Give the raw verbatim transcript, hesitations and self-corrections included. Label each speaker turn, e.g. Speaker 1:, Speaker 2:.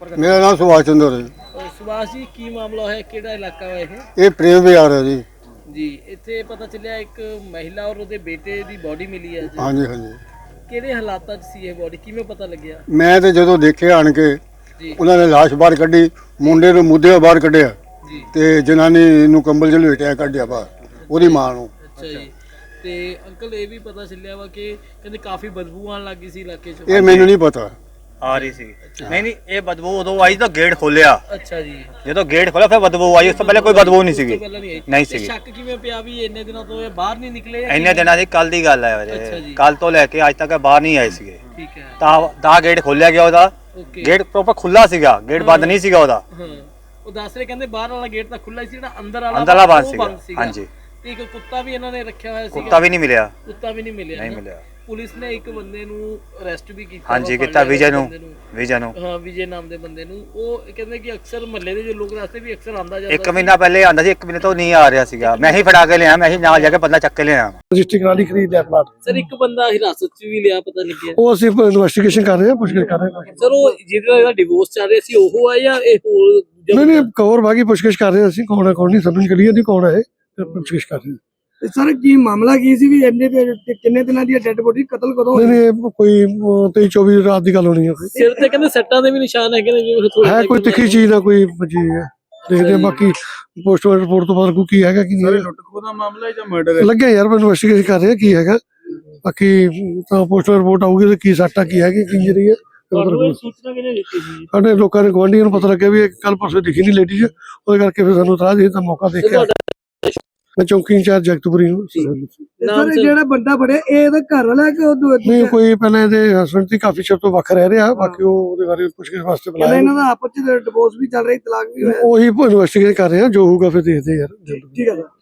Speaker 1: मेरा नाम सुभाष चंद्र है।
Speaker 2: ਅਹ ਸੁਭਾਸ਼ ਜੀ ਕੀ ਮਾਮਲਾ ਹੋਇਆ, ਕਿਹੜਾ ਇਲਾਕਾ ਹੈ ਇਹ?
Speaker 1: ये प्रेम विहार है जी।
Speaker 2: ਜੀ ਇੱਥੇ ਪਤਾ ਚੱਲਿਆ ਇੱਕ ਮਹਿਲਾ ਔਰ ਉਹਦੇ ਬੇਟੇ ਦੀ ਬੋਡੀ ਮਿਲੀ ਹੈ ਜੀ।
Speaker 1: हाँ जी हाँ जी।
Speaker 2: ਕਿਹੜੇ ਹਾਲਾਤਾਂ 'ਚ ਸੀ ਇਹ ਬੋਡੀ, ਕਿਵੇਂ ਪਤਾ ਲੱਗਿਆ?
Speaker 1: मैं तो जो देखे आन के
Speaker 2: ਜੀ
Speaker 1: उन्होंने लाश बाहर कढ़ी, मुंडे ਨੂੰ मुद्दे बाहर कढ़िया
Speaker 2: ਜੀ
Speaker 1: ਤੇ ਜਨਾਨੀ ਨੂੰ ਕੰਬਲ ਚ ਲਪੇਟਿਆ ਕੱਢਿਆ ਬਾਹਰ ਉਹਦੀ ਮਾਂ ਨੂੰ।
Speaker 2: ਅੱਛਾ ਜੀ। ਤੇ ਅੰਕਲ ਇਹ ਵੀ ਪਤਾ ਚੱਲਿਆ ਵਾ ਕਿ ਕਹਿੰਦੇ ਕਾਫੀ ਬਦਬੂ ਆਉਣ ਲੱਗੀ ਸੀ ਇਲਾਕੇ 'ਚ।
Speaker 1: ਇਹ ਮੈਨੂੰ ਨਹੀਂ ਪਤਾ।
Speaker 3: ਆ ਰਹੀ ਸੀ ਨਹੀਂ ਨਹੀਂ ਇਹ ਬਦਬੂ ਉਦੋਂ ਆਈ ਤਾਂ ਗੇਟ ਖੋਲਿਆ,
Speaker 2: ਅੱਛਾ ਜੀ।
Speaker 3: ਜਦੋਂ ਗੇਟ ਖੋਲਿਆ ਫਿਰ ਬਦਬੂ ਆਈ, ਉਸ ਤੋਂ ਪਹਿਲੇ ਕੋਈ ਬਦਬੂ ਨਹੀਂ ਸੀਗੀ।
Speaker 2: ਪਹਿਲਾਂ ਨਹੀਂ ਆਈ।
Speaker 3: ਨਹੀਂ
Speaker 2: ਤੇ
Speaker 3: ਸੀਗੀ।
Speaker 2: ਸ਼ੱਕ ਕਿਵੇਂ ਪਿਆ ਵੀ ਇੰਨੇ ਦਿਨਾਂ ਤੋਂ ਇਹ ਬਾਹਰ ਨਹੀਂ ਨਿਕਲੇ ਜਾਂ
Speaker 3: ਇੰਨੇ
Speaker 2: ਕਿਵੇਂ?
Speaker 3: ਦਿਨਾਂ ਦੀ ਕੱਲ ਦੀ ਗੱਲ ਹੈ
Speaker 2: ਅੱਛਾ
Speaker 3: ਵੀਰੇ,
Speaker 2: ਜੀ।
Speaker 3: ਕੱਲ ਤੋਂ ਲੈ ਕੇ ਅੱਜ ਤੱਕ ਇਹ ਬਾਹਰ ਨਹੀਂ ਆਏ ਸੀਗੇ।
Speaker 2: ਠੀਕ ਹੈ।
Speaker 3: ਤਾਂ ਤਾਂ ਗੇਟ ਖੋਲਿਆ ਗਿਆ ਉਹਦਾ,
Speaker 2: ਓਕੇ।
Speaker 3: ਗੇਟ ਪ੍ਰੋਪਰ ਖੁੱਲਾ ਸੀਗਾ, ਗੇਟ ਬੰਦ ਨਹੀਂ ਸੀਗਾ ਉਹਦਾ।
Speaker 2: ਹਾਂ ਉਹ ਦੱਸ ਰਹੇ ਕਹਿੰਦੇ ਬਾਹਰ ਵਾਲਾ ਗੇਟ ਤਾਂ ਖੁੱਲਾ ਹੀ ਸੀ, ਜਿਹੜਾ ਅੰਦਰ ਵਾਲਾ
Speaker 3: ਅੰਦਰਲਾ ਬੰਦ
Speaker 2: ਉਹ
Speaker 3: ਸੀਗਾ। ਹਾਂਜੀ।
Speaker 2: ਤੇ ਇੱਕ ਕੁੱਤਾ ਵੀ ਇਹਨਾਂ ਨੇ ਰੱਖਿਆ ਹੋਇਆ ਸੀਗਾ।
Speaker 3: ਕੁੱਤਾ ਵੀ ਨਹੀਂ ਮਿਲਿਆ।
Speaker 2: ਕੁੱਤਾ ਵੀ ਨਹੀਂ ਮਿਲਿਆ
Speaker 3: ਨਹੀਂ
Speaker 2: ਨਾ?
Speaker 3: ਮਿਲਿਆ।
Speaker 2: ਪੁਲਿਸ ਨੇ ਇੱਕ ਬੰਦੇ ਨੂੰ ਅਰੈਸਟ ਵੀ ਕੀਤਾ।
Speaker 3: ਹਾਂਜੀ
Speaker 2: ਵਾ,
Speaker 3: ਕੀਤਾ,
Speaker 2: ਫੜ ਲਿਆ
Speaker 3: ਵਿਜੇ ਨੂੰ
Speaker 2: ਬੰਦੇ ਨੂੰ।
Speaker 3: ਵਿਜੇ ਨੂੰ
Speaker 2: ਹਾਂ ਵਿਜੇ ਨਾਮ ਦੇ ਬੰਦੇ ਨੂੰ। ਉਹ ਕਹਿੰਦੇ ਕਿ ਅਕਸਰ ਮਹੱਲੇ ਦੇ ਜੋ ਲੋਕ ਰਸਤੇ ਵੀ ਅਕਸਰ ਆਂਦਾ ਜਾਂਦਾ
Speaker 3: ਇੱਕ ਮਹੀਨਾ ਪਹਿਲੇ ਆਂਦਾ ਸੀ, ਇੱਕ ਮਹੀਨੇ ਤੋਂ ਨਹੀਂ ਆ ਰਿਹਾ ਸੀਗਾ। ਮੈਂ ਹੀ ਫੜਾ ਕੇ ਲਿਆ, ਮੈਂ ਹੀ ਨਾਲ ਜਾ ਕੇ ਬੰਦਾ ਚੱਕ ਕੇ ਲਿਆ।
Speaker 4: ਰਜਿਸਟਰੀ ਕਰਾ ਲਈ, ਖਰੀਦ ਲਿਆ ਪਲਾਟ।
Speaker 2: ਸਰ ਇੱਕ ਬੰਦਾ ਹਿਰਾਸਤ 'ਚ ਵੀ ਲਿਆ, ਪਤਾ ਲੱਗਿਆ।
Speaker 4: ਉਹ ਅਸੀਂ ਇਨਵੈਸਟੀਗੇਸ਼ਨ ਕਰ ਰਹੇ ਹਾਂ, ਪੁੱਛਗਿੱਛ ਕਰ ਰਹੇ ਹਾਂ।
Speaker 2: ਸਰ ਉਹ ਜਿਹਦੇ ਨਾਲ ਇਹਦਾ ਡਿਵੋਰਸ ਚੱਲ ਰਿਹਾ ਸੀ ਉਹ ਆ ਜਾਂ ਇਹ ਹੋਰ ਦੂਜਾ
Speaker 4: ਨਹੀਂ ਨਹੀਂ
Speaker 2: ਬੰਦਾ?
Speaker 4: ਕਵਰ ਬਾਕੀ ਪੁੱਛਗਿੱਛ ਕਰ ਰਹੇ ਹਾਂ ਅਸੀਂ, ਕੌਣ ਹੈ ਕੌਣ ਨਹੀਂ ਸਮਝ ਕਲੀਅਰ ਨਹੀਂ ਕੌਣ ਹੈ ਇਹ, ਤੇ ਪੁੱਛਗਿੱਛ ਕਰ ਰਹੇ ਹਾਂ।
Speaker 5: ਸਰ ਕੀ ਮਾਮਲਾ ਕੀ ਸੀ ਵੀ ਇੰਨੇ ਤੇ ਕਿੰਨੇ ਦਿਨਾਂ ਦੀ ਡੈੱਡ ਬੋਡੀ ਕਤਲ ਕਦੋਂ
Speaker 4: ਨਹੀਂ ਨਹੀਂ ਇਹ ਕੋਈ ਤੇਈ ਚੌਵੀ ਰਾਤ ਦੀ ਗੱਲ ਹੋਣੀ ਹੈ। ਕੋਈ
Speaker 2: ਸਿਰ ਤੇ ਕਹਿੰਦੇ ਸੱਟਾਂ ਦੇ ਵੀ ਨਿਸ਼ਾਨ ਹੈਗੇ ਨੇ ਜਿਵੇਂ ਥੋੜੇ
Speaker 4: ਹੈ ਕੋਈ ਤਿੱਖੀ ਚੀਜ਼ ਨਾ ਕੋਈ ਵੱਜੀ ਹੈ, ਦੇਖਦੇ ਹਾਂ ਬਾਕੀ ਪੋਸਟਮਾਰਟਮ ਰਿਪੋਰਟ ਤੋਂ ਬਾਅਦ ਕੀ ਹੈਗਾ ਕੀ ਨਹੀਂ।
Speaker 5: ਲੁੱਟ ਖੋਹ ਦਾ ਮਾਮਲਾ ਹੈ ਜਾਂ ਮਰਡਰ ਹੈ?
Speaker 4: ਲੱਗਿਆ ਯਾਰ ਇਨਵੈਸਟੀਗੇਸ਼ਨ ਕਰ ਰਹੇ ਹਾਂ ਕੀ ਹੈਗਾ, ਬਾਕੀ ਤਾਂ ਪੋਸਟਮਾਰਟਮ ਰਿਪੋਰਟ ਆਊਗੀ ਤੇ ਕੀ ਸੱਟਾ ਕੀ ਹੈਗੀ ਕੀ ਇੰਜਰੀ ਹੈ।
Speaker 2: ਤੁਹਾਨੂੰ ਇਹ ਸੂਚਨਾ ਕਿਹਨੇ ਦਿੱਤੀ ਸੀ?
Speaker 4: ਸਾਡੇ ਲੋਕਾਂ ਨੇ ਗੁਆਂਢੀਆਂ ਨੂੰ ਪਤਾ ਲੱਗਿਆ ਵੀ ਕੱਲ ਪਰਸੋਂ ਦਿਖੀ ਨਹੀਂ ਲੇਡੀ ਜੀ, ਉਹਦੇ ਕਰਕੇ ਫਿਰ ਸਾਨੂੰ ਤਰਾਹ ਦੇ ਤਾਂ ਮੌਕਾ ਦੇਖਿਆ। ਮੈਂ ਚੌਂਕੀ ਇੰਚਾਰਜ ਜਗਤਪੁਰੀ ਨੂੰ।
Speaker 2: ਨਾਮ
Speaker 5: ਸਰ ਜਿਹੜਾ ਬੰਦਾ ਫੜਿਆ ਇਹ ਇਹਦਾ ਘਰ ਵਾਲਾ ਕਿ ਉਹ ਦੂ-
Speaker 4: ਨਹੀਂ ਕੋਈ ਪਹਿਲਾਂ ਇਹਦੇ ਹਸਬੰਡ ਦੀ ਕਾਫੀ ਚਿਰ ਤੋਂ ਵੱਖ ਰਹਿ ਰਿਹਾ, ਬਾਕੀ ਉਹ ਉਹਦੇ ਬਾਰੇ ਪੁੱਛਗਿੱਛ ਵਾਸਤੇ
Speaker 5: ਕਹਿੰਦਾ
Speaker 4: ਬੁਲਾਇਆ।
Speaker 5: ਇਹਨਾਂ ਦਾ ਆਪਸ ਚ ਡਿਵੋਰਸ ਵੀ ਚੱਲ ਰਹੀ, ਤਲਾਕ ਵੀ ਹੋਇਆ।
Speaker 4: ਉਹੀ ਇਨਵੈਸਟੀਗੇਟ ਕਰ ਰਹੇ ਹਾਂ, ਜੋ ਹੋਊਗਾ ਫਿਰ ਦੇਖਦੇ ਹਾਂ ਯਾਰ।
Speaker 5: ਠੀਕ ਹੈ ਸਰ।